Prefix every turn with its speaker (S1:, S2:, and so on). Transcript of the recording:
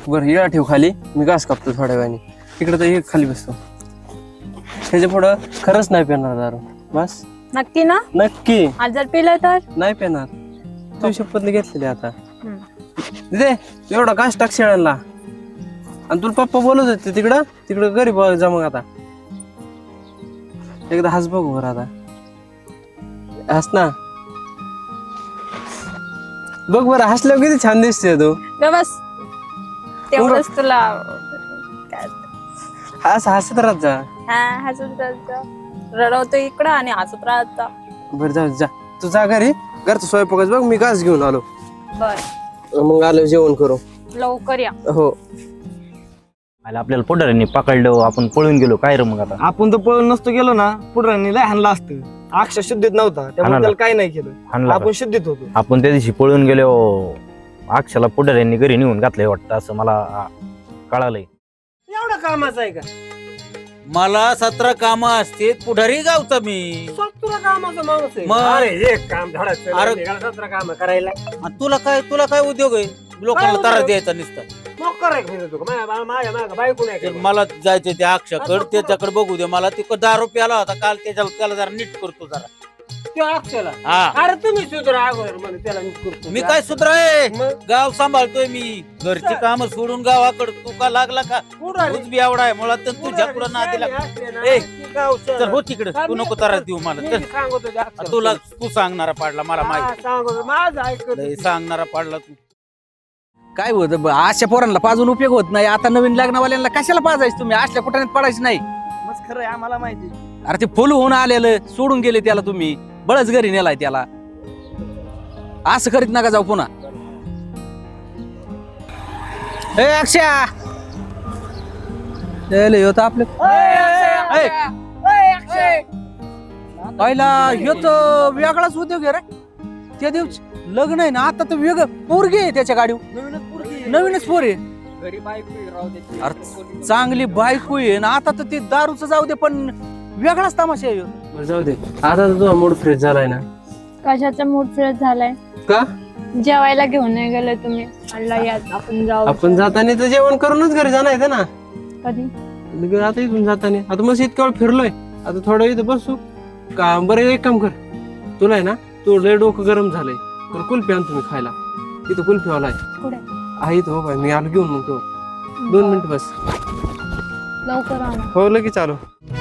S1: बरं येळा ठेव खाली, मी घास कापतो थोड्या वेळाने. इकडे तर एक खाली बसतो. त्याच्या पुढं खरंच नाही पेणार दारू. बस
S2: नक्की ना?
S1: नक्की
S2: आज जर पिलं तर
S1: नाही पेणार. तू शपथ घेतलेली आता. दे एवढा घास टाक शेळ्यांना. आणि तुला पप्पा बोलत होते तिकडं तिकडं घरी बघ जा. मग आता एकदा हस बघ वर. आता हस ना. बघ बरं हसल्यावर किती छान दिसते तू.
S2: बस तेवढंच तुला
S1: हस हसत राहत जा.
S2: हा हसत राहत. रडवतो इकडं आणि हसत राहत.
S1: बरं जाऊ जा. तू जा घरी. घरचं स्वयंपाकच बघ. मी घास घेऊन आलो.
S2: बर
S1: मग आलो जेवण करू.
S2: लवकर या.
S1: हो.
S3: आपल्याला पुढाऱ्यांनी पकडलं, आपण पळून गेलो काय रे. मग आता
S4: आपण तर पळून नसतो गेलो ना, पुढे लय हाणला असतं. अक्षर शुद्धीत नव्हता त्यामुळे त्याला काही नाही केलं.
S3: हाणला
S4: आपण शुद्धीत होतो.
S3: आपण त्या दिवशी पळून गेलो, अक्षाला पुढाऱ्यांनी घरी नेऊन घातलंय वाटतं असं मला कळालंय.
S4: एवढं कामाचं आहे का?
S5: मला 17 काम असते. पुढारी गावचा मी.
S4: तुला कामाचा माणूस आहे.
S5: मग?
S4: अरे एक काम धडाचं
S5: अरे.
S4: निघाला 17 काम करायला.
S5: आणि तुला काय उद्योग आहे लोकांना
S4: काय
S5: तारा
S4: उद्योग?
S5: द्यायचा नुसतं.
S4: मग करायला फिरतो का? माझ्या मागं बायको नाही
S5: तर
S4: का?
S5: मला जायचं त्या अक्षाकडे, त्याच्याकडे बघू दे. मला ती दारू प्याला होता काल, त्याला जरा नीट करतो जरा.
S4: त्यो अक्षयला.
S5: हा
S4: अरे तुम्ही सुधरा अगोदर म्हणे त्याला नीट करतो.
S5: मी काय सुधराय,
S4: मग?
S5: गाव सांभाळतोय मी. घरची काम सोडून गावाकडे तू का लागला का?
S4: पुढारी.
S5: तूच बी एवढा आहे मुळात, तर तुझ्या पुढे ना दिला. ए, तर हो तिकडे, तू नको त्रास देऊ मला. तर तुला तू सांगणारा पाडला मला माहिती.
S4: माझं ऐकत
S5: लय सांगणारा पाडला तू.
S6: काय होत अशा पोरांना पाजून उपयोग होत नाही. आता नवीन लग्नवाल्यांना कशाला पाजायचं तुम्ही? असल्या कुठे पडायचं नाही.
S4: मग खरं आहे, आम्हाला माहिती.
S6: अरे ते फुल होऊन आलेलं सोडून गेले त्याला तुम्ही. बळच घरी नेलाय त्याला. असं करीत नका जाऊ पुन्हा. ए अक्षया आपले पहिला ह्यो तर वेगळाच उद्योग आहे रे. त्या दिवशी लग्न आहे ना, आता तर वेगळं पोरगी आहे त्याच्या गाडीवर. नवीनच पोर आहे. अरे चांगली बायको आहे ना. आता तर ते दारूच जाऊ दे, पण वेगळाच तमाशा आहे ह्यो.
S1: बरं जाऊ दे. आता तर तुझा मूड फ्रेश झालाय ना.
S2: कशाचा मूड फ्रेश झालाय?
S1: का?
S2: जेवायला घेऊन नाही गेले तुम्ही. म्हणलं या आपण जाऊ.
S1: आपण जाताना तर जेवण करूनच घरी जाणार आहे ना.
S2: कधी?
S1: आता इथून जाताना आता मस्त इतका वेळ फिरलोय. आता थोडं इथं बसू का? बरं एक काम कर. तुला आहे ना, तू लय डोकं गरम झालंय तर कुल्फी आण तुम्ही खायला. इथं कुल्फी वाला आहे.
S2: कुठे?
S1: आहे तो बाबा. मी आलो घेऊन. मग तो 2 मिनिट बस.
S2: लवकर आणा.
S1: हो लगेच आलो.